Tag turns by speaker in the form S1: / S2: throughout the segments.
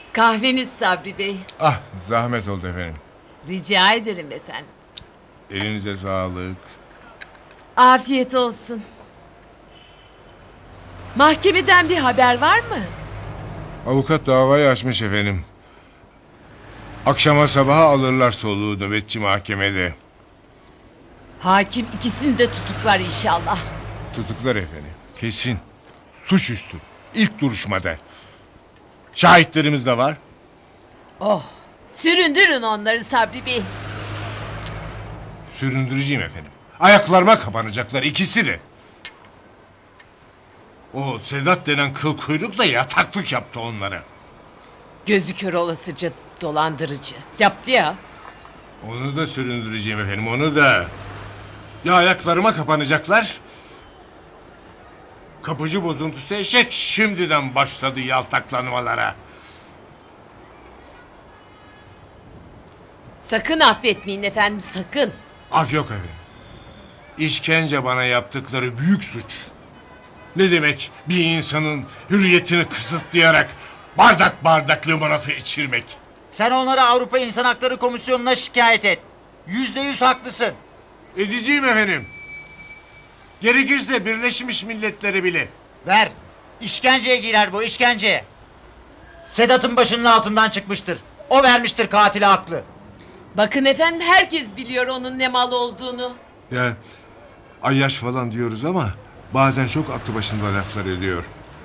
S1: Kahveniz Sabri Bey.
S2: Ah, zahmet oldu efendim.
S1: Rica ederim efendim.
S2: Elinize sağlık.
S1: Afiyet olsun. Mahkemeden bir haber var mı?
S2: Avukat davayı açmış efendim. Akşama sabaha alırlar soluğu nöbetçi mahkemede.
S1: Hakim ikisini de tutuklar inşallah.
S2: Tutuklar efendim. Kesin. Suçüstü. İlk duruşmada. Şahitlerimiz de var.
S1: Oh, süründürün onları Sabri Bey.
S2: Süründüreceğim efendim. Ayaklarıma kapanacaklar ikisi de. O Sedat denen kıl kuyrukla yataklık yaptı onlara.
S1: Gözü kör olasıca dolandırıcı. Yaptı ya.
S2: Onu da süründüreceğim efendim, onu da. Ya ayaklarıma kapanacaklar. Kapıcı bozuntusu eşek şimdiden başladı yaltaklanmalara.
S1: Sakın affetmeyin efendim, sakın.
S2: Af yok efendim. İşkence bana yaptıkları büyük suç. Ne demek bir insanın hürriyetini kısıtlayarak bardak bardak limonata içirmek?
S3: Sen onları Avrupa İnsan Hakları Komisyonu'na şikayet et. %100 haklısın.
S2: Edeceğim efendim. Gerekirse Birleşmiş Milletleri bile.
S3: Ver. İşkenceye girer bu, işkenceye. Sedat'ın başının altından çıkmıştır. O vermiştir katile aklı.
S1: Bakın efendim, herkes biliyor onun ne mal olduğunu.
S2: Ya ayyaş falan diyoruz ama bazen çok aklı başında laflar ediyor.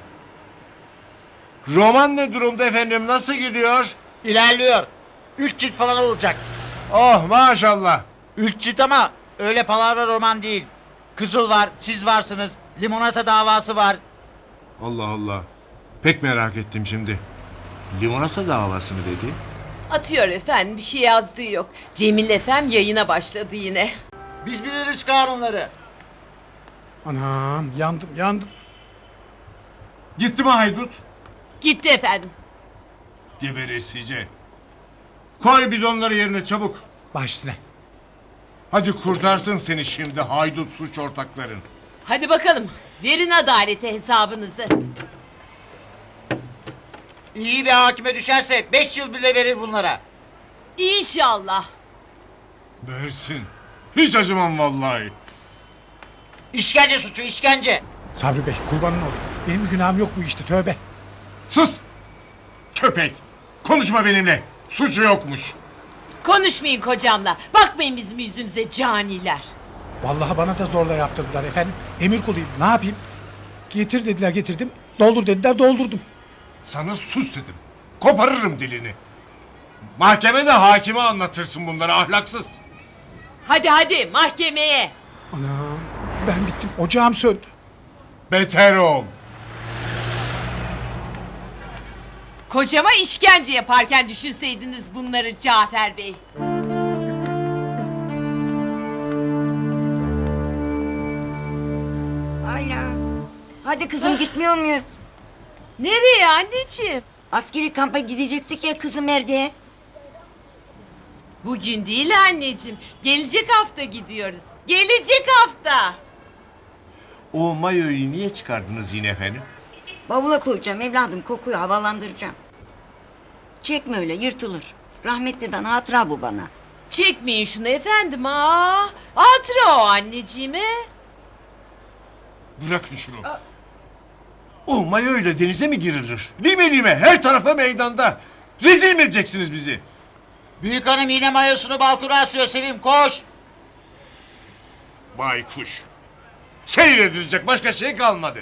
S2: Roman ne durumda efendim, nasıl gidiyor?
S3: İlerliyor. 3 cilt falan olacak.
S2: Oh maşallah.
S3: 3 cilt ama öyle palavra roman değil. Kızıl var, siz varsınız. Limonata davası var.
S2: Allah Allah. Pek merak ettim şimdi. Limonata davası mı dedi?
S1: Atıyor efendim, bir şey yazdığı yok. Cemil efem yayına başladı yine.
S3: Biz biliriz kanunları.
S4: Anam yandım.
S2: Gitti mi haydut?
S1: Gitti efendim.
S2: Geberesice. Koy bidonları yerine çabuk.
S4: Baş üstüne.
S2: Hadi kurtarsın seni şimdi haydut suç ortakların.
S1: Hadi bakalım, verin adalete hesabınızı.
S3: İyi bir hakime düşerse 5 yıl bile verir bunlara.
S1: İnşallah.
S2: Versin. Hiç acımam vallahi.
S3: İşkence suçu, işkence.
S4: Sabri Bey kurbanın olayım. Benim günahım yok bu işte, tövbe.
S2: Sus! Köpek! Konuşma benimle. Suçu yokmuş.
S1: Konuşmayın kocamla. Bakmayın bizim yüzümüze caniler.
S4: Vallahi bana da zorla yaptırdılar efendim. Emir kuluyum, ne yapayım? Getir dediler, getirdim. Doldur dediler, doldurdum.
S2: Sana sus dedim. Koparırım dilini. Mahkemede hakime anlatırsın bunları ahlaksız.
S1: Hadi mahkemeye.
S4: Anam ben bittim, ocağım söndü.
S2: Beter ol.
S1: Kocama işkence yaparken düşünseydiniz bunları Cafer Bey.
S5: Ayla. Hadi kızım gitmiyor muyuz?
S1: Nereye anneciğim?
S5: Askeri kampa gidecektik ya kızım Erdi'ye.
S1: Bugün değil anneciğim. Gelecek hafta gidiyoruz. Gelecek hafta.
S2: O mayoyu niye çıkardınız yine efendim?
S5: Bavula koyacağım evladım, kokuyu havalandıracağım. Çekme öyle, yırtılır. Rahmetliden hatıra bu bana.
S1: Çekmeyin şunu efendim. Hatıra o anneciğime.
S2: Bırakın şunu. O mayoyla denize mi girilir? Lime lime her tarafa meydanda. Rezil mi edeceksiniz bizi?
S3: Büyük hanım yine mayosunu balkona asıyor Sevim, koş.
S2: Baykuş. Seyredilecek başka şey kalmadı.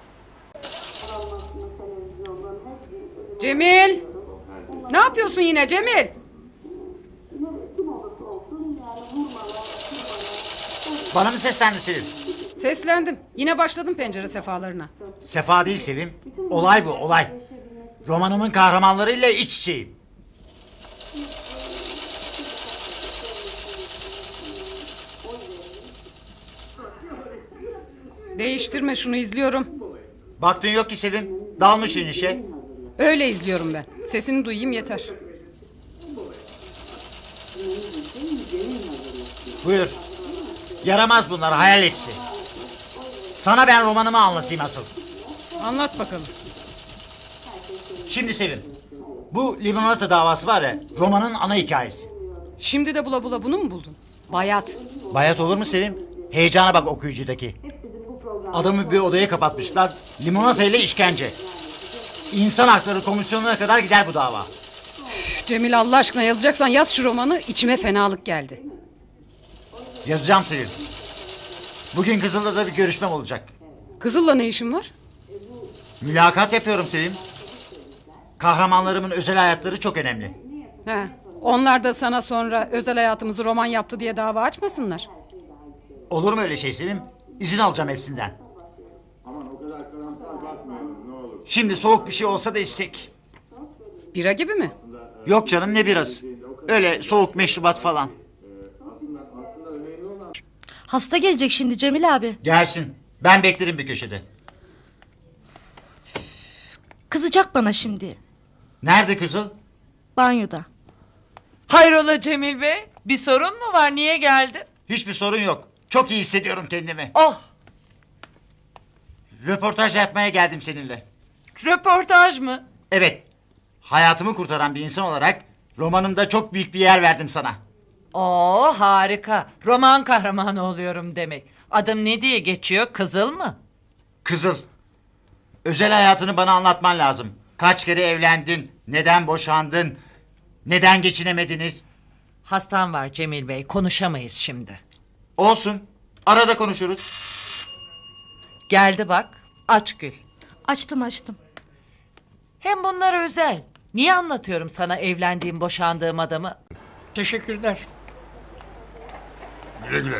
S6: Cemil! Ne yapıyorsun yine Cemil?
S3: Bana mı seslendi Sevim?
S6: Seslendim. Yine başladım pencere sefalarına.
S3: Sefa değil Sevim. Olay bu, olay. Romanımın kahramanlarıyla iç içeyim.
S6: Değiştirme şunu, izliyorum.
S3: Baktın yok ki Sevim. Dalmışsın işe.
S6: Öyle izliyorum ben. Sesini duyayım yeter.
S3: Buyur. Yaramaz bunlar, hayal hepsi. Sana ben romanımı anlatayım asıl.
S6: Anlat bakalım.
S3: Şimdi Sevim. Bu limonata davası var ya, romanın ana hikayesi.
S6: Şimdi de bula bula bunu mu buldun? Bayat.
S3: Bayat olur mu Sevim? Heyecana bak okuyucudaki. Adamı bir odaya kapatmışlar, limonata ile işkence. İnsan Hakları Komisyonu'na kadar gider bu dava.
S6: Üf, Cemil Allah aşkına yazacaksan yaz şu romanı. İçime fenalık geldi.
S3: Yazacağım Sevim. Bugün Kızılda'da bir görüşmem olacak.
S6: Kızıl'la ne işin var?
S3: Mülakat yapıyorum Sevim. Kahramanlarımın özel hayatları çok önemli.
S6: He. Onlar da sana sonra özel hayatımızı roman yaptı diye dava açmasınlar.
S3: Olur mu öyle şey Sevim? İzin alacağım hepsinden. Şimdi soğuk bir şey olsa da içsek.
S6: Bira gibi mi?
S3: Yok canım, ne biraz. Öyle soğuk meşrubat falan.
S7: Hasta gelecek şimdi Cemil abi.
S3: Gelsin. Ben beklerim bir köşede.
S7: Kızacak bana şimdi.
S3: Nerede Kızıl?
S7: Banyoda.
S1: Hayrola Cemil Bey? Bir sorun mu var? Niye geldin?
S3: Hiçbir sorun yok. Çok iyi hissediyorum kendimi.
S1: Oh,
S3: Röportaj yapmaya geldim seninle.
S1: röportaj mı?
S3: Evet. Hayatımı kurtaran bir insan olarak romanımda çok büyük bir yer verdim sana.
S1: Oo, harika. Roman kahramanı oluyorum demek. Adım ne diye geçiyor? Kızıl mı?
S3: Kızıl. Özel hayatını bana anlatman lazım. Kaç kere evlendin? Neden boşandın? Neden geçinemediniz?
S1: Hastam var Cemil Bey. Konuşamayız şimdi.
S3: Olsun. Arada konuşuruz.
S1: Geldi bak. Aç Gül.
S7: Açtım.
S1: Hem bunlar özel. Niye anlatıyorum sana evlendiğim, boşandığım adamı? Teşekkürler.
S2: Güle güle.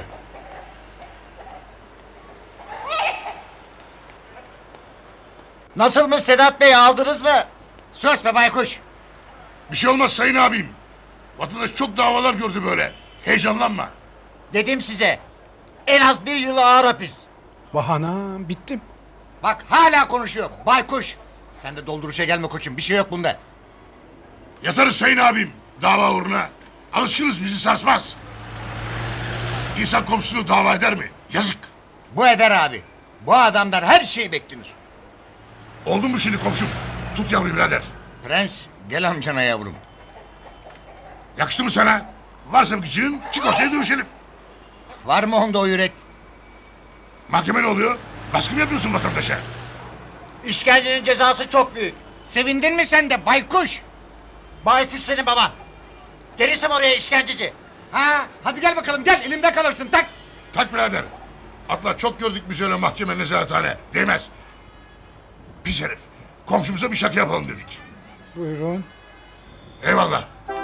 S3: Nasılmış Sedat Bey, aldınız mı? Sus be baykuş.
S2: Bir şey olmaz sayın abim. Vatandaş çok davalar gördü böyle. Heyecanlanma.
S3: Dedim size. En az 1 yıl ağır hapis.
S4: Bahanam bittim.
S8: Bak hala konuşuyor. Baykuş. Sen de dolduruşa gelme koçum. Bir şey yok bunda.
S2: Yatarız sayın abim. Dava uğruna. Alışkınız, bizi sarsmaz. İnsan komşusunu dava eder mi? Yazık.
S8: Bu eder abi. Bu adamdan her şey beklenir.
S2: Oldu mu şimdi komşum? Tut yavruyu birader.
S8: Prens gel amcana yavrum.
S2: Yakıştı mı sana? Varsa bir gıcığın, çık ortaya dövüşelim.
S8: Var mı onda o yürek?
S2: Mahkeme ne oluyor? Baskı mı yapıyorsun vatandaşa?
S3: İşkencenin cezası çok büyük.
S8: Sevindin mi sen de baykuş?
S3: Baykuş senin baban. Gelirsem oraya işkenceci.
S8: Ha, hadi gel bakalım gel elimde kalırsın tak.
S2: Tak birader. Atla, çok gördük biz öyle mahkeme, nezarethane. Değmez. Pis herif. Komşumuza bir şaka yapalım dedik.
S4: Buyurun.
S2: Eyvallah.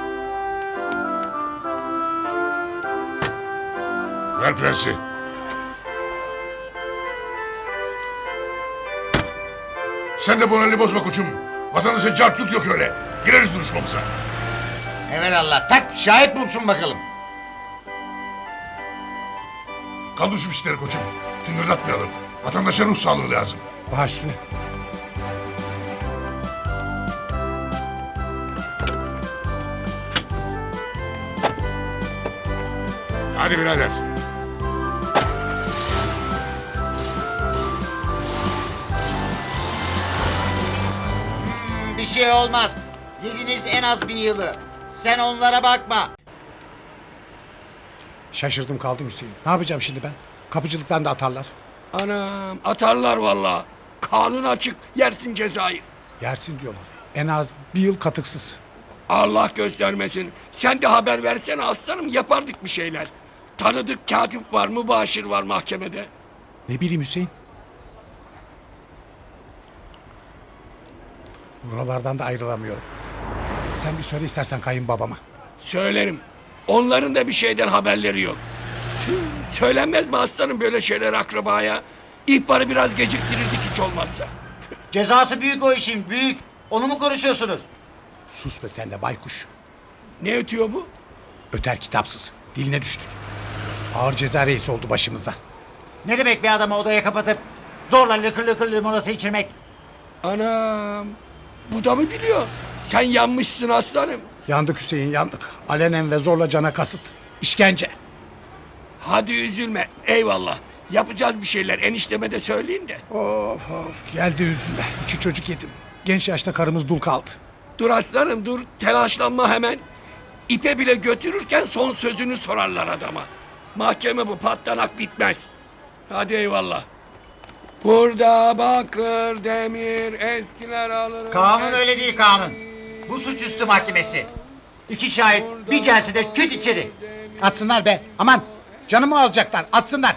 S2: Ver prensi. Sen de moralini bozma koçum. Vatandaşa cartut yok öyle. Gireriz duruşmamıza.
S8: Evelallah tak şahit bulsun bakalım.
S2: Kaldır şu pisleri koçum. Tıngırdatmayalım. Vatandaşa ruh sağlığı lazım.
S4: Baş üstüne.
S2: Hadi birader.
S3: Bir şey olmaz. Yediniz en az 1 yılı. Sen onlara bakma.
S4: Şaşırdım kaldım Hüseyin. Ne yapacağım şimdi ben? Kapıcılıktan da atarlar.
S9: Anam atarlar valla. Kanun açık yersin cezayı.
S4: Yersin diyorlar. En az 1 yıl katıksız.
S9: Allah göstermesin. Sen de haber versene aslanım yapardık bir şeyler. Tanıdık katip var mı başır var mahkemede.
S4: Ne bileyim Hüseyin. Buralardan da ayrılamıyorum. Sen bir söyle istersen kayınbabama.
S9: Söylerim. Onların da bir şeyden haberleri yok. Söylenmez mi aslanım böyle şeyler akrabaya? İhbarı biraz geciktirirdik hiç olmazsa.
S3: Cezası büyük o işin, büyük. Onu mu konuşuyorsunuz?
S4: Sus be sen de baykuş.
S9: Ne ötüyor bu?
S4: Öter kitapsız. Diline düştük. Ağır ceza reisi oldu başımıza.
S3: Ne demek bir adamı odaya kapatıp zorla lıkır lıkır limonata içirmek?
S9: Anam. Bu da mı biliyor? Sen yanmışsın aslanım.
S4: Yandık Hüseyin yandık. Alenen ve zorla cana kasıt. İşkence.
S9: Hadi üzülme. Eyvallah. Yapacağız bir şeyler. Enişteme de söyleyin de.
S4: Of geldi üzüle. 2 çocuk yedim. Genç yaşta karımız dul kaldı.
S9: Dur aslanım dur, telaşlanma hemen. İpe bile götürürken son sözünü sorarlar adama. Mahkeme bu, patlanak bitmez. Hadi eyvallah. Burada bakır, demir, eskiler alır.
S3: Kanun öyle değil kanun. Bu suçüstü mahkemesi. 2 şahit bir celsede küt içeri.
S4: Atsınlar be. Aman canımı alacaklar. Atsınlar.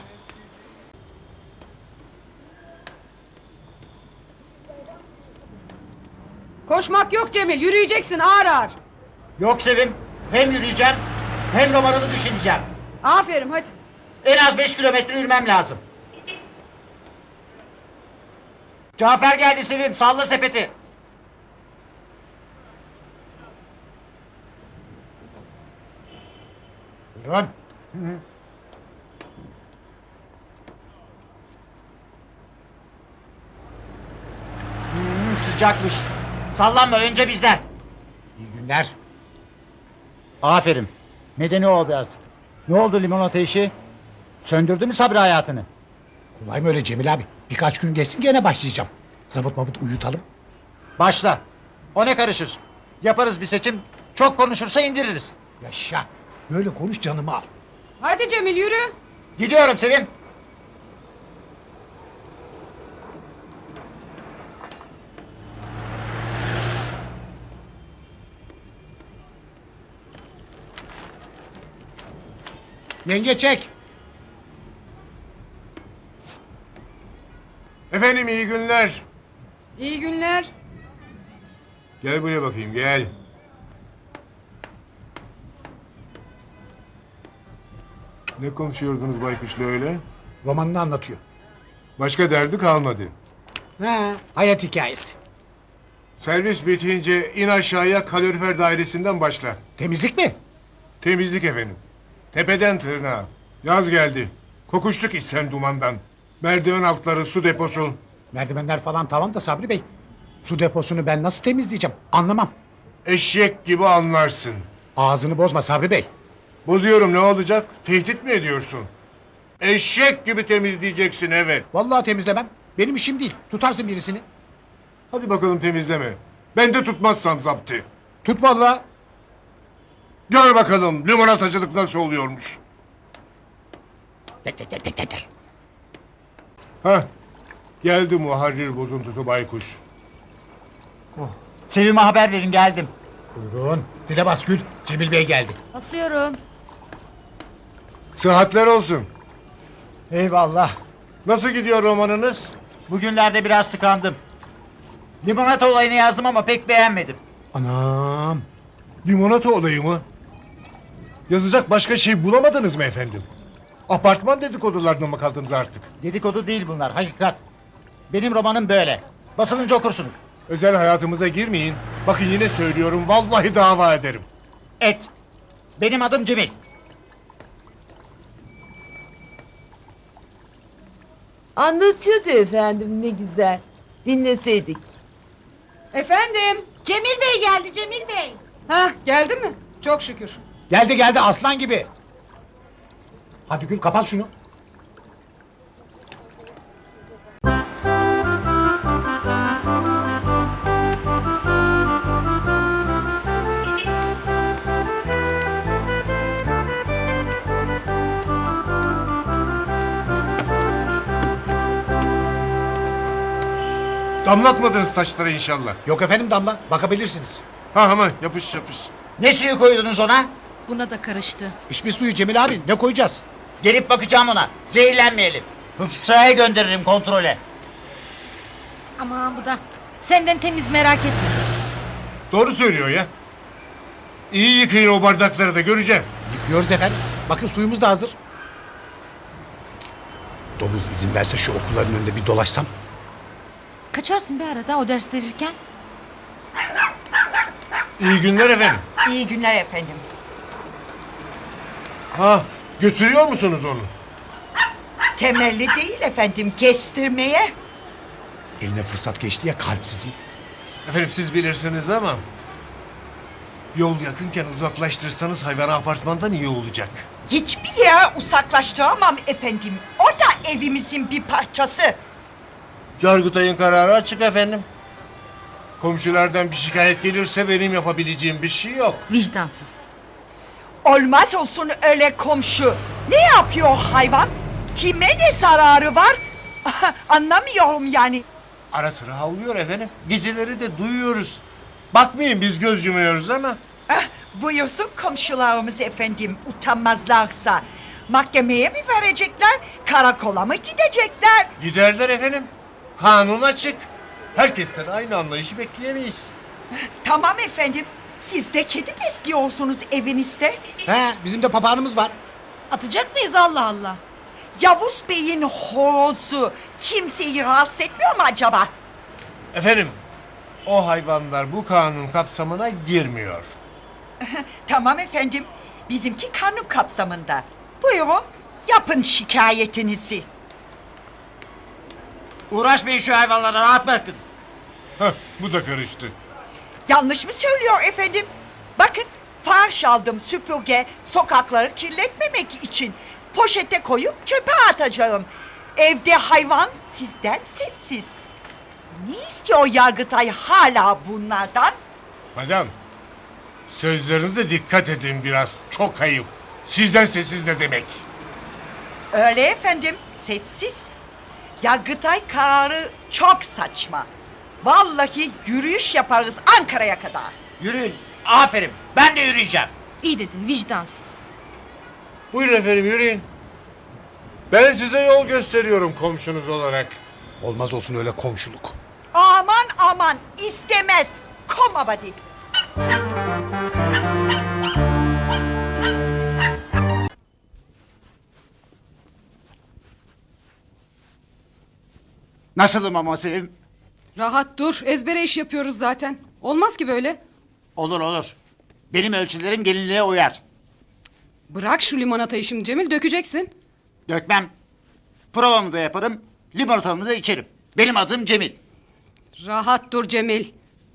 S6: Koşmak yok Cemil, yürüyeceksin ağır ağır.
S3: Yok Sevim. Hem yürüyeceğim hem romanımı düşüneceğim.
S6: Aferin hadi.
S3: En az 5 kilometre yürümem lazım. Cafer geldi Sevim. Salla sepeti. Buyurun. Sıcakmış. Sallanma önce bizden.
S4: İyi günler.
S3: Aferin. Nedeni o biraz. Ne oldu limonata işi? Söndürdü mü Sabri hayatını?
S4: Kolay mı öyle Cemil abi? Birkaç gün geçsin gene başlayacağım. Zabıt mabut uyutalım.
S3: Başla. O ne karışır? Yaparız bir seçim. Çok konuşursa indiririz.
S4: Yaşa. Böyle konuş canımı al.
S6: Hadi Cemil yürü.
S3: Gidiyorum Sevim.
S4: Yenge çek.
S2: Efendim iyi günler.
S6: İyi günler.
S2: Gel buraya bakayım gel. Ne konuşuyordunuz Baykuş'la öyle?
S4: Romanını anlatıyor.
S2: Başka derdi kalmadı.
S4: Ha, hayat hikayesi.
S2: Servis bitince in aşağıya kalorifer dairesinden başla.
S4: Temizlik mi?
S2: Temizlik efendim. Tepeden tırnağa. Yaz geldi. Kokuştuk isten dumandan. Merdiven altları, su deposu.
S4: Merdivenler falan tamam da Sabri Bey. Su deposunu ben nasıl temizleyeceğim? Anlamam.
S2: Eşek gibi anlarsın.
S4: Ağzını bozma Sabri Bey.
S2: Bozuyorum ne olacak? Tehdit mi ediyorsun? Eşek gibi temizleyeceksin evet.
S4: Vallahi temizlemem. Benim işim değil. Tutarsın birisini.
S2: Hadi bakalım temizleme. Ben de tutmazsam zaptı.
S4: Tut vallahi.
S2: Gör bakalım limonatacılık nasıl oluyormuş.
S4: Tek tek tek tek tek, tek.
S2: Hah. Geldi muharrir bozuntusu baykuş.
S3: Sevim'e haber verin geldim.
S4: Buyurun. Zile bas Gül. Cemil Bey geldi.
S7: Basıyorum.
S2: Sıhhatler olsun.
S3: Eyvallah.
S2: Nasıl gidiyor romanınız?
S3: Bugünlerde biraz tıkandım. Limonata olayını yazdım ama pek beğenmedim.
S4: Anam.
S2: Limonata olayı mı? Yazacak başka şey bulamadınız mı efendim? Apartman dedikodularına mı kaldınız artık?
S3: Dedikodu değil bunlar, hakikat. Benim romanım böyle. Basılınca okursunuz.
S2: Özel hayatımıza girmeyin. Bakın yine söylüyorum vallahi dava ederim.
S3: Et. Benim adım Cemil.
S10: Anlatıyordu efendim ne güzel. Dinleseydik.
S6: Efendim.
S7: Cemil Bey geldi Cemil Bey.
S6: Hah geldi mi? Çok şükür.
S4: Geldi geldi aslan gibi. Hadi Gül kapat şunu.
S2: Damlatmadınız taşlara inşallah.
S4: Yok efendim Damla bakabilirsiniz.
S2: Ha ama yapış yapış.
S3: Ne suyu koydunuz ona?
S7: Buna da karıştı.
S4: İçme suyu Cemil abi ne koyacağız?
S3: Gelip bakacağım ona. Zehirlenmeyelim. Hıfzaya gönderirim kontrole.
S7: Aman bu da. Senden temiz merak etme.
S2: Doğru söylüyor ya. İyi yıkayın o bardakları da göreceğim.
S4: Yıkıyoruz efendim. Bakın suyumuz da hazır. Domuz izin verse şu okulların önünde bir dolaşsam.
S7: Kaçarsın bir arada o ders verirken.
S2: İyi günler efendim.
S10: İyi günler efendim.
S2: Ha götürüyor musunuz onu?
S10: Temelli değil efendim kestirmeye.
S4: Eline fırsat geçti ya kalpsizin.
S2: Efendim siz bilirsiniz ama... Yol yakınken uzaklaştırsanız hayvanı apartmandan iyi olacak.
S10: Hiçbir yere uzaklaştıramam efendim. O da evimizin bir parçası.
S2: Yargıtay'ın kararı açık efendim. Komşulardan bir şikayet gelirse benim yapabileceğim bir şey yok.
S7: Vicdansız.
S10: Olmaz olsun öyle komşu. Ne yapıyor hayvan? Kime ne zararı var? Anlamıyorum yani.
S2: Ara sıra havlıyor efendim. Geceleri de duyuyoruz. Bakmayın biz göz yumuyoruz ama.
S10: Buyursun komşularımız efendim utanmazlarsa. Mahkemeye mi verecekler? Karakola mı gidecekler?
S2: Giderler efendim. Kanun açık. Herkesten aynı anlayışı bekleyemeyiz.
S10: Tamam efendim. Siz de kedi besliyorsunuz evinizde.
S4: He, bizim de papağanımız var.
S7: Atacak mıyız Allah Allah?
S10: Yavuz Bey'in horozu kimseyi rahatsız etmiyor mu acaba?
S2: Efendim, o hayvanlar bu kanun kapsamına girmiyor.
S10: Tamam efendim. Bizimki kanun kapsamında. Buyurun yapın şikayetinizi.
S3: Uğraşmayın şu hayvanlara, rahat bırakın.
S2: Heh, bu da karıştı.
S10: Yanlış mı söylüyor efendim? Bakın farş aldım süpürge sokakları kirletmemek için. Poşete koyup çöpe atacağım. Evde hayvan sizden sessiz. Ne istiyor Yargıtay hala bunlardan?
S2: Madam, sözlerinize dikkat edin biraz. Çok ayıp. Sizden sessiz ne demek?
S10: Öyle efendim sessiz. Yargıtay kararı çok saçma. Vallahi yürüyüş yaparız Ankara'ya kadar.
S3: Yürüyün. Aferin. Ben de yürüyeceğim.
S7: İyi dedin vicdansız.
S2: Buyurun efendim yürüyün. Ben size yol gösteriyorum komşunuz olarak.
S4: Olmaz olsun öyle komşuluk.
S10: Aman aman istemez. Komabadi.
S3: Nasılım ama Sevim?
S6: Rahat dur. Ezbere iş yapıyoruz zaten. Olmaz ki böyle.
S3: Olur olur. Benim ölçülerim gelinliğe uyar.
S6: Bırak şu limonatayı şimdi Cemil, dökeceksin.
S3: Dökmem. Provamı da yaparım. Limonatamı da içerim. Benim adım Cemil.
S6: Rahat dur Cemil.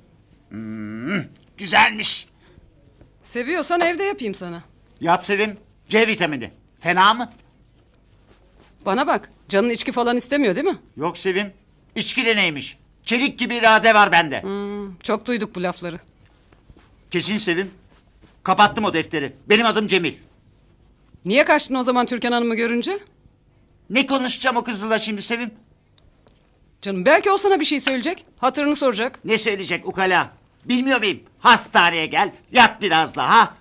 S3: Güzelmiş.
S6: Seviyorsan evde yapayım sana.
S3: Yap Sevim. C vitamini. Fena mı?
S6: Bana bak, canın içki falan istemiyor değil mi?
S3: Yok Sevim. İçki de neymiş? Çelik gibi irade var bende.
S6: Çok duyduk bu lafları.
S3: Kesin Sevim. Kapattım o defteri. Benim adım Cemil.
S6: Niye kaçtın o zaman Türkan Hanım'ı görünce?
S3: Ne konuşacağım o kızla şimdi Sevim?
S6: Canım belki o sana bir şey söyleyecek. Hatırını soracak.
S3: Ne söyleyecek ukala? Bilmiyor muyum? Hastaneye gel. Yat biraz daha.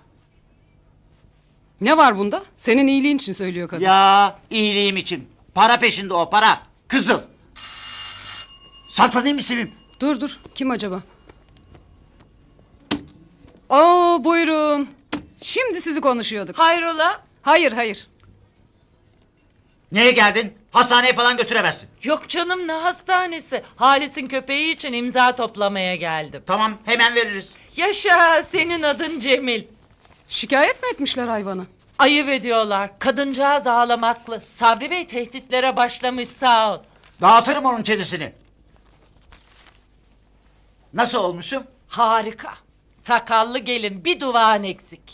S6: Ne var bunda? Senin iyiliğin için söylüyor kadın.
S3: Ya iyiliğim için. Para peşinde o para. Kızıl. Saklanayım mı Sevim?
S6: Dur. Kim acaba? Oo buyurun. Şimdi sizi konuşuyorduk.
S1: Hayrola?
S6: Hayır.
S3: Niye geldin? Hastaneye falan götüremezsin.
S1: Yok canım ne hastanesi. Halis'in köpeği için imza toplamaya geldim.
S3: Tamam hemen veririz.
S1: Yaşa senin adın Cemil.
S6: Şikayet mi etmişler hayvanı?
S1: Ayıp ediyorlar. Kadıncağız ağlamaklı. Sabri Bey tehditlere başlamış sağ ol.
S3: Dağıtırım onun çenesini. Nasıl olmuşum?
S1: Harika. Sakallı gelin bir duvağın eksik.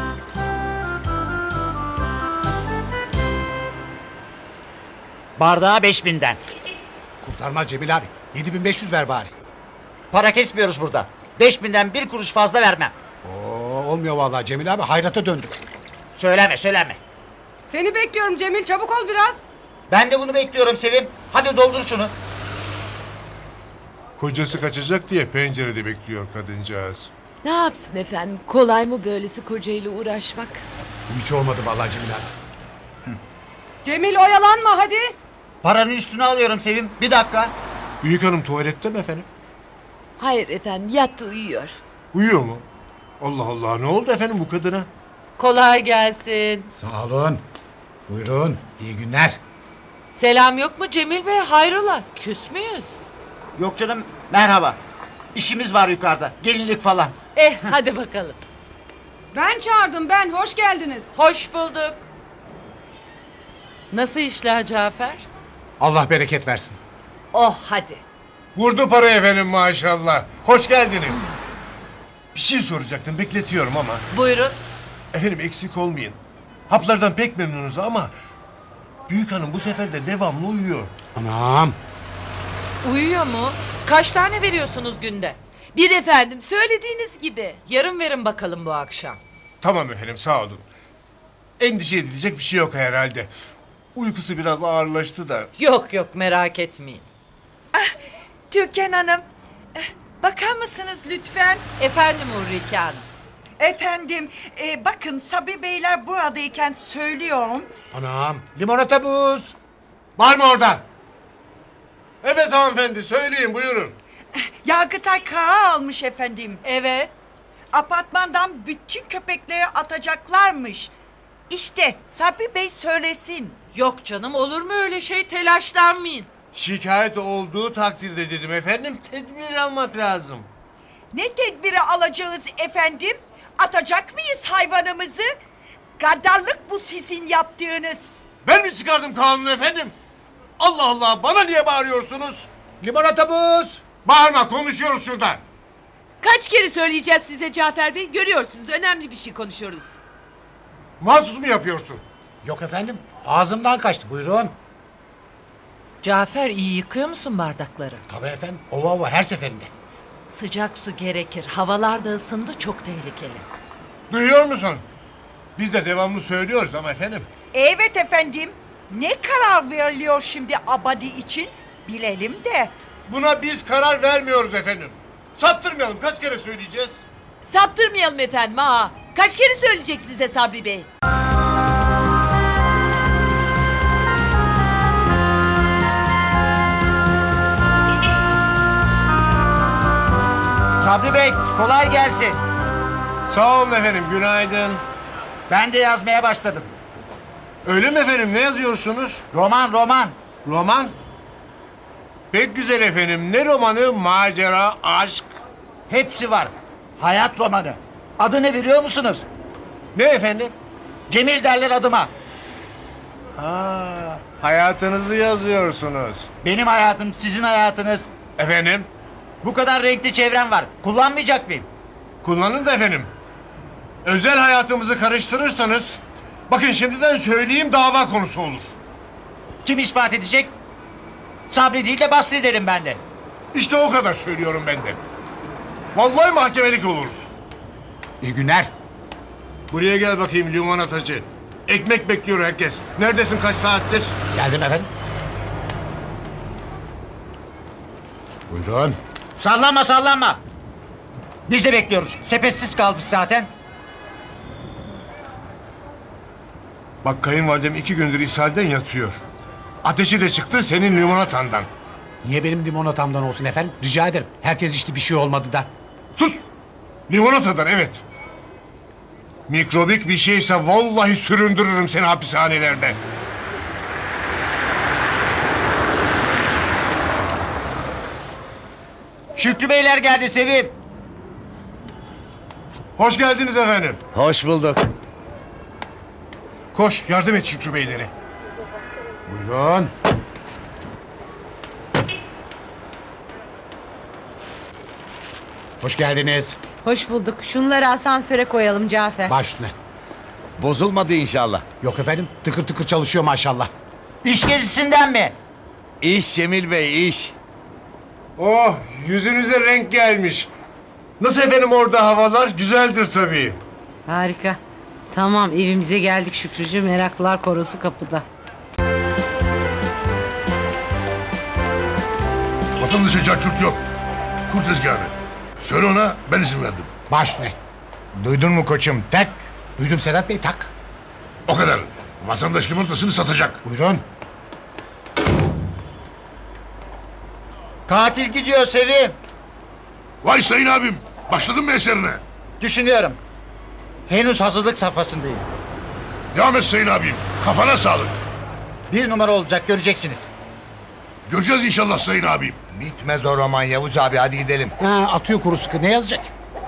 S3: Bardağa 5000'den.
S4: Kurtarmaz Cemil abi. 7500 ver bari.
S3: Para kesmiyoruz burada. 5000'den bir kuruş fazla vermem.
S4: Oo, olmuyor vallahi Cemil abi. Hayrata döndük.
S3: Söyleme.
S6: Seni bekliyorum Cemil, çabuk ol biraz.
S3: Ben de bunu bekliyorum Sevim. Hadi doldur şunu.
S2: Kocası kaçacak diye pencerede bekliyor kadıncağız.
S11: Ne yapsın efendim? Kolay mı böylesi kocayla uğraşmak?
S4: Hiç olmadı vallahi Cemil abi.
S6: Cemil oyalanma hadi.
S3: Paranın üstüne alıyorum Sevim. Bir dakika.
S2: Büyük hanım tuvalette mi efendim?
S11: Hayır efendim, yattı uyuyor.
S2: Uyuyor mu? Allah Allah ne oldu efendim bu kadına?
S1: Kolay gelsin.
S4: Sağ olun. Buyurun. İyi günler.
S1: Selam yok mu Cemil Bey? Hayrola? Küs müyüz?
S3: Yok canım merhaba. İşimiz var yukarıda. Gelinlik falan.
S1: Hadi bakalım.
S6: Ben çağırdım ben, hoş geldiniz.
S1: Hoş bulduk. Nasıl işler Cafer?
S4: Allah bereket versin.
S1: Oh hadi.
S2: Vurdu para efendim maşallah. Hoş geldiniz. Bir şey soracaktım bekletiyorum ama.
S1: Buyurun.
S2: Efendim eksik olmayın. Haplardan pek memnunuz ama... Büyük hanım bu sefer de devamlı uyuyor.
S4: Anam.
S1: Uyuyor mu? Kaç tane veriyorsunuz günde?
S11: Bir efendim, söylediğiniz gibi.
S1: Yarın verin bakalım bu akşam.
S2: Tamam efendim, sağ olun. Endişe edilecek bir şey yok herhalde. Uykusu biraz ağırlaştı da.
S1: Yok yok, merak etmeyin.
S10: Türkan Hanım, bakar mısınız lütfen?
S1: Efendim Ulrike Hanım.
S10: Efendim, bakın Sabri Beyler buradayken söylüyorum.
S8: Anam limonata buz.
S2: Var mı orada? Evet hanımefendi, söyleyin, buyurun.
S10: Yargıtay karar almış efendim.
S1: Evet.
S10: Apartmandan bütün köpekleri atacaklarmış. İşte Sabri Bey söylesin.
S1: Yok canım, olur mu öyle şey, telaşlanmayın.
S2: Şikayet olduğu takdirde dedim efendim, tedbir almak lazım.
S10: Ne tedbiri alacağız efendim? Atacak mıyız hayvanımızı? Gaddarlık bu sizin yaptığınız.
S2: Ben mi çıkardım kanunu efendim? Allah Allah, bana niye bağırıyorsunuz?
S8: Limonata buz.
S2: Bağırma, konuşuyoruz şurada.
S11: Kaç kere söyleyeceğiz size Cafer Bey? Görüyorsunuz, önemli bir şey konuşuyoruz.
S2: Mahsus mu yapıyorsun?
S8: Yok efendim ağzımdan kaçtı buyurun.
S1: Cafer, iyi yıkıyor musun bardakları?
S8: Tabii efendim ova ova her seferinde.
S1: Sıcak su gerekir. Havalar da ısındı, çok tehlikeli.
S2: Duyuyor musun? Biz de devamlı söylüyoruz ama efendim.
S10: Evet efendim. Ne karar veriliyor şimdi Abadi için? Bilelim de.
S2: Buna biz karar vermiyoruz efendim. Saptırmayalım, kaç kere söyleyeceğiz?
S11: Saptırmayalım efendim ha. Kaç kere söyleyecek size Sabri Bey?
S3: Sabri Bey kolay gelsin.
S2: Sağ olun efendim, günaydın.
S3: Ben de yazmaya başladım.
S2: Öyle mi efendim, ne yazıyorsunuz?
S3: Roman.
S2: Roman? Pek güzel efendim, ne romanı? Macera, aşk.
S3: Hepsi var. Hayat romanı. Adı ne biliyor musunuz?
S2: Ne efendim?
S3: Cemil derler adıma.
S2: Hayatınızı yazıyorsunuz.
S3: Benim hayatım sizin hayatınız.
S2: Efendim?
S3: Bu kadar renkli çevrem var. Kullanmayacak mıyım?
S2: Kullanın da efendim. Özel hayatımızı karıştırırsanız, bakın şimdiden söyleyeyim, dava konusu olur.
S3: Kim ispat edecek? Sabri değil de Basri derim ben de.
S2: İşte o kadar söylüyorum ben de. Vallahi mahkemelik oluruz.
S8: İyi günler.
S2: Buraya gel bakayım limonatacı. Ekmek bekliyor herkes. Neredesin, kaç saattir?
S8: Geldim efendim. Buyurun.
S3: Sallanma. Biz de bekliyoruz. Sepetsiz kaldık zaten.
S2: Bak, kayınvalidem 2 gündür ishalden yatıyor. Ateşi de çıktı senin limonatandan.
S8: Niye benim limonatamdan olsun efendim? Rica ederim. Herkes içti, bir şey olmadı da.
S2: Sus! Limonatadan, evet. Mikrobik bir şeyse vallahi süründürürüm seni hapishanelerde.
S3: Şükrü Beyler geldi Sevim.
S2: Hoş geldiniz efendim.
S8: Hoş bulduk.
S2: Koş, yardım et Şükrü Beylere.
S8: Buyurun. Hoş geldiniz.
S11: Hoş bulduk. Şunları asansöre koyalım Cafer.
S8: Baş üstüne.
S12: Bozulmadı inşallah.
S8: Yok efendim tıkır tıkır çalışıyor maşallah.
S3: İş gezisinden mi?
S12: İş Cemil Bey, iş.
S2: Oh, yüzünüze renk gelmiş. Nasıl efendim orada havalar? Güzeldir tabii.
S11: Harika. Tamam, evimize geldik Şükrücüğüm. Meraklılar korosu kapıda.
S13: Vatandaşa cacurt yok. Kur tezgahını. Söyle ona, ben izin verdim.
S8: Baş üstüne. Duydun mu koçum? Tak. Duydum Sedat Bey, tak.
S13: O kadar. Vatandaş limonatasını satacak.
S8: Buyurun.
S3: Katil gidiyor Sevim.
S13: Vay sayın abim. Başladın mı eserine?
S3: Düşünüyorum. Henüz hazırlık safhasındayım.
S13: Devam et sayın abim. Kafana sağlık.
S3: 1 numara olacak, göreceksiniz.
S13: Göreceğiz inşallah sayın abim.
S12: Bitmez o roman Yavuz abi, hadi gidelim.
S8: Ha, atıyor kuru sıkı, ne yazacak?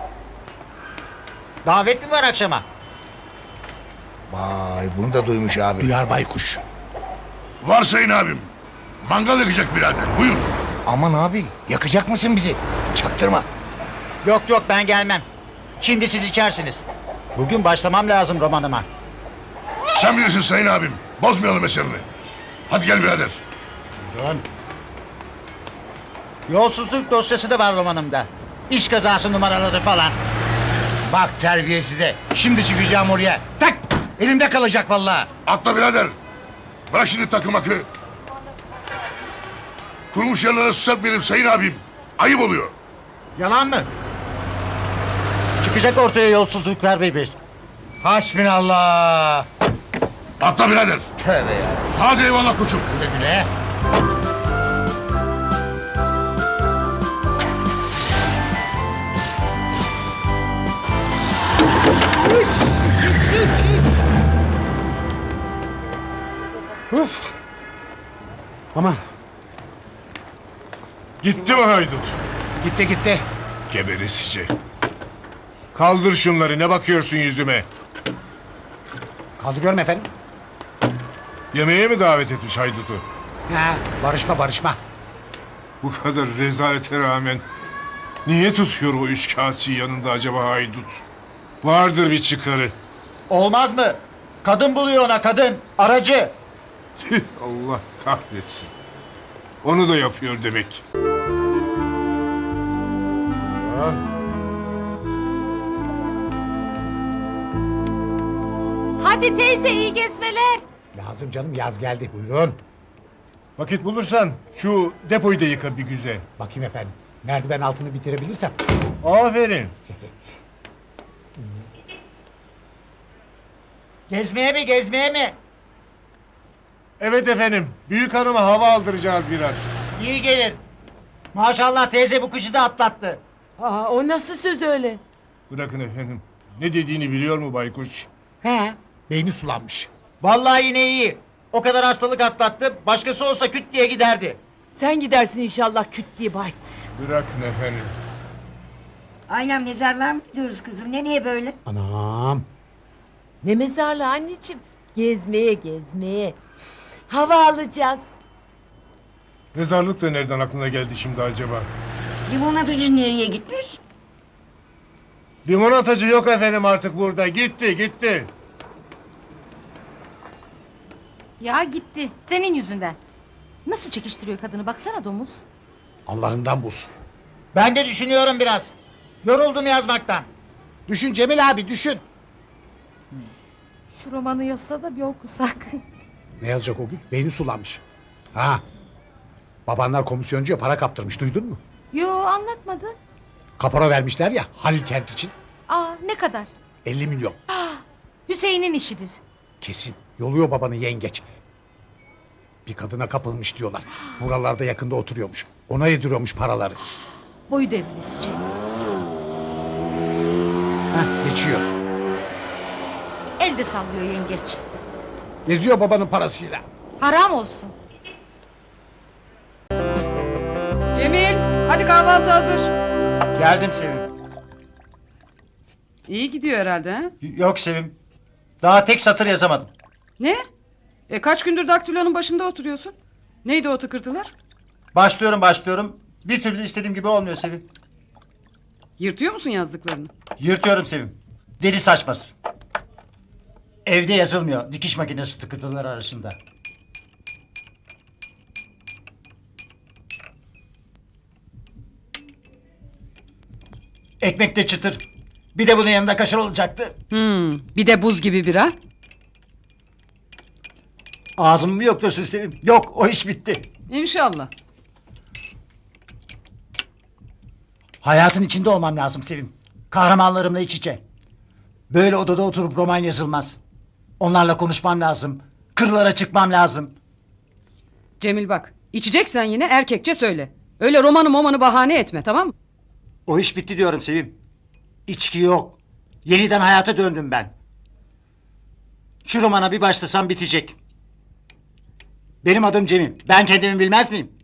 S3: Davet mi var akşama?
S12: Vay, bunu da duymuş abi.
S8: Duyar baykuş.
S13: Var sayın abim. Mangal yakacak birader. Buyur.
S12: Aman abi, yakacak mısın bizi? Çaktırma.
S3: Yok ben gelmem. Şimdi siz içersiniz. Bugün başlamam lazım romanıma.
S13: Sen bilirsin sayın abim. Bozmayalım eserini. Hadi gel birader.
S8: Buyurun.
S3: Yolsuzluk dosyası da var romanımda. İş kazası numaraları falan.
S12: Bak terbiyesize. Şimdi çıkacağım oraya. Tak! Elimde kalacak vallahi.
S13: Atla birader. Bırak şimdi takım akı. Kurmuş yerlere susar benim sayın abim. Ayıp oluyor.
S3: Yalan mı? Çıkacak ortaya yolsuzluklar bir.
S12: Hasbinallah.
S13: Atla birader.
S12: Tövbe ya.
S13: Hadi eyvallah koçum.
S12: Güle güle.
S4: Aman.
S2: Gitti mi haydut?
S12: Gitti gitti.
S2: Geberesice. Kaldır şunları, ne bakıyorsun yüzüme?
S12: Kaldırıyorum efendim.
S2: Yemeğe mi davet etmiş haydutu?
S12: Ha, barışma.
S2: Bu kadar rezalete rağmen niye tutuyor o üç kağıtçıyı yanında acaba haydut? Vardır bir çıkarı.
S3: Olmaz mı? Kadın buluyor ona, kadın. Aracı.
S2: Allah kahretsin. Onu da yapıyor demek.
S7: Hadi teyze iyi gezmeler.
S4: Lazım canım, yaz geldi. Buyurun.
S2: Vakit bulursan şu depoyu da yıka bir güzel.
S4: Bakayım efendim. Merdiven altını bitirebilirsem.
S2: Aferin.
S3: Gezmeye mi?
S2: Evet efendim. Büyük hanıma hava aldıracağız biraz.
S3: İyi gelir. Maşallah teyze bu kışı da atlattı.
S11: Aa, o nasıl söz öyle?
S2: Bırakın efendim. Ne dediğini biliyor mu baykuş?
S4: He. Beyni sulanmış.
S3: Vallahi yine iyi. O kadar hastalık atlattı. Başkası olsa küt diye giderdi.
S11: Sen gidersin inşallah küt diye baykuş.
S2: Bırakın efendim.
S5: Aynen mezarlığa mı gidiyoruz kızım? Nereye böyle?
S4: Anam.
S11: Ne mezarlığı anneciğim? Gezmeye. Hava alacağız.
S2: Mezarlık da nereden aklına geldi şimdi acaba?
S5: Limonatacı nereye gitmiş?
S2: Limonatacı yok efendim artık burada. Gitti.
S7: Ya gitti. Senin yüzünden. Nasıl çekiştiriyor kadını baksana domuz.
S4: Allah'ından bulsun.
S3: Ben de düşünüyorum biraz. Yoruldum yazmaktan.
S4: Düşün Cemil abi, düşün.
S7: Şu romanı yazsa da bir okusak.
S4: Ne yazacak o gün? Beyni sulanmış. Ha. Babanlar komisyoncuya para kaptırmış, duydun mu?
S7: Yo anlatmadı.
S4: Kapora vermişler ya Halil Kent için.
S7: Aa ne kadar?
S4: 50 milyon.
S7: Hüseyin'in işidir.
S4: Kesin. Yoluyor babanı yengeç. Bir kadına kapılmış diyorlar. Buralarda yakında oturuyormuş. Ona yediriyormuş paraları.
S7: Boyu devrilesice.
S4: Heh, geçiyor.
S7: Elde sallıyor yengeç.
S4: Geziyor babanın parasıyla.
S7: Haram olsun.
S6: Cemil, hadi kahvaltı hazır.
S3: Geldim Sevim.
S6: İyi gidiyor herhalde ha?
S3: Yok Sevim. Daha tek satır yazamadım.
S6: Ne? Kaç gündür daktilonun başında oturuyorsun? Neydi o tıkırtılar?
S3: Başlıyorum. Bir türlü istediğim gibi olmuyor Sevim.
S6: Yırtıyor musun yazdıklarını?
S3: Yırtıyorum Sevim. Deli saçması. Evde yazılmıyor. Dikiş makinesi tıkırtıları arasında. Ekmek de çıtır. Bir de bunun yanında kaşar olacaktı.
S6: Bir de buz gibi bira.
S3: Ağzımı mı yoktursun Sevim? Yok, o iş bitti.
S6: İnşallah.
S3: Hayatın içinde olmam lazım Sevim. Kahramanlarımla iç içe. Böyle odada oturup roman yazılmaz. Onlarla konuşmam lazım. Kırlara çıkmam lazım.
S6: Cemil bak, içeceksen yine erkekçe söyle. Öyle romanı bahane etme, tamam mı?
S3: O iş bitti diyorum Sevim. İçki yok. Yeniden hayata döndüm ben. Şu romana bir başlasam bitecek. Benim adım Cemil. Ben kendimi bilmez miyim?